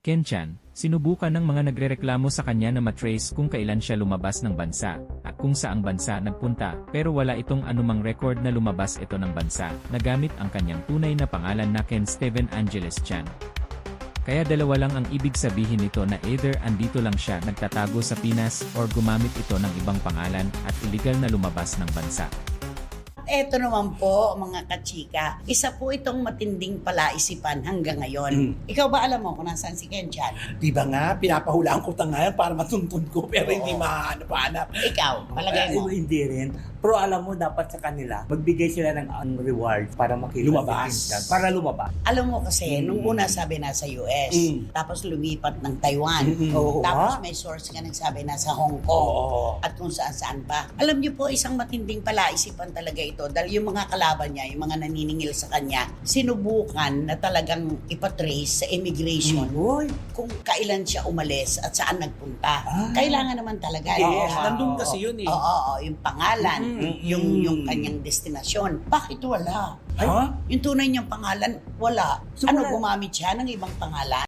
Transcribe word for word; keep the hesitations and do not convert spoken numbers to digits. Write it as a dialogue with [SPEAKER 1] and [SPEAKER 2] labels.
[SPEAKER 1] Ken Chan, sinubukan ng mga nagrereklamo sa kanya na matrace kung kailan siya lumabas ng bansa, at kung saang bansa nagpunta, pero wala itong anumang record na lumabas ito ng bansa, na gamit ang kanyang tunay na pangalan na Ken Steven Angeles Chan. Kaya dalawa lang ang ibig sabihin nito na either andito lang siya nagtatago sa Pinas or gumamit ito ng ibang pangalan at illegal na lumabas ng bansa.
[SPEAKER 2] Eto naman po, mga kachika, isa po itong matinding palaisipan hanggang ngayon.
[SPEAKER 3] Mm.
[SPEAKER 2] Ikaw ba alam mo kung nasaan si Ken Chan?
[SPEAKER 3] Di ba nga, pinapahulaan ko ta ngayon para matuntun ko pero
[SPEAKER 2] Oo.
[SPEAKER 3] hindi mahanap-hanap.
[SPEAKER 2] Ikaw, palagay mo.
[SPEAKER 4] Eh, hindi rin. Pero alam mo, dapat sa kanila, magbigay sila ng um, reward para makita
[SPEAKER 3] Lumabas.
[SPEAKER 4] si Kim Chan. Para lumabas.
[SPEAKER 2] Alam mo kasi,
[SPEAKER 3] Mm.
[SPEAKER 2] nung una sabi nasa U S,
[SPEAKER 3] Mm.
[SPEAKER 2] tapos lumipat ng Taiwan,
[SPEAKER 3] Mm-mm.
[SPEAKER 4] Oo,
[SPEAKER 2] tapos
[SPEAKER 4] ha?
[SPEAKER 2] may source nga nagsabi nasa Hong Kong,
[SPEAKER 3] Oo.
[SPEAKER 2] at kung saan-saan pa. Alam niyo po, isang matinding palaisipan talaga ito dahil yung mga kalaban niya, yung mga naniningil sa kanya, sinubukan na talagang ipatrace sa immigration
[SPEAKER 4] Uy,
[SPEAKER 2] kung kailan siya umalis at saan nagpunta.
[SPEAKER 4] Ah.
[SPEAKER 2] Kailangan naman talaga.
[SPEAKER 3] Yes,
[SPEAKER 2] Oo.
[SPEAKER 3] nandun kasi yun eh.
[SPEAKER 2] Oo, oo, yung pangalan,
[SPEAKER 3] Mm.
[SPEAKER 2] yung yung kanyang destinasyon. Bakit wala?
[SPEAKER 3] Ha?
[SPEAKER 2] Yung tunay niyang pangalan, wala.
[SPEAKER 4] So,
[SPEAKER 2] ano,
[SPEAKER 4] wala.
[SPEAKER 2] gumamit siya ng ibang pangalan?